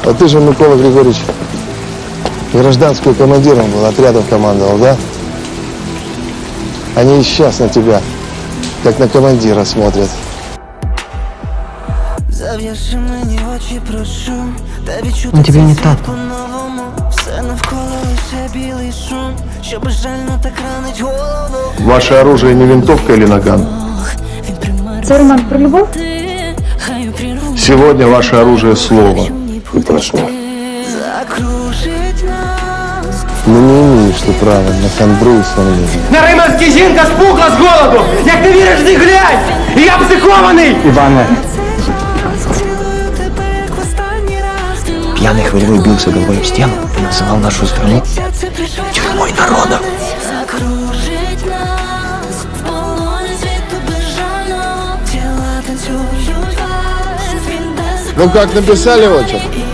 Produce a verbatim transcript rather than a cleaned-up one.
А ты же, Микола Григорьевич, гражданскую командиром был, отрядом командовал, да? Они и сейчас на тебя, как на командира, смотрят. Он тебе не так. Ваше оружие не винтовка или наган? Це роман про любов? Сегодня ваше оружие слово. И прошло. Ну не имеешь ты права на хандру и сомнения. На Риманський жінка спухла з голоду! Як ти віриш, ти глянь! І я психований! Иване, Пьяный хмельной бился головой об стену и называл нашу страну тюрьмой народа. Ну как, написали отчет?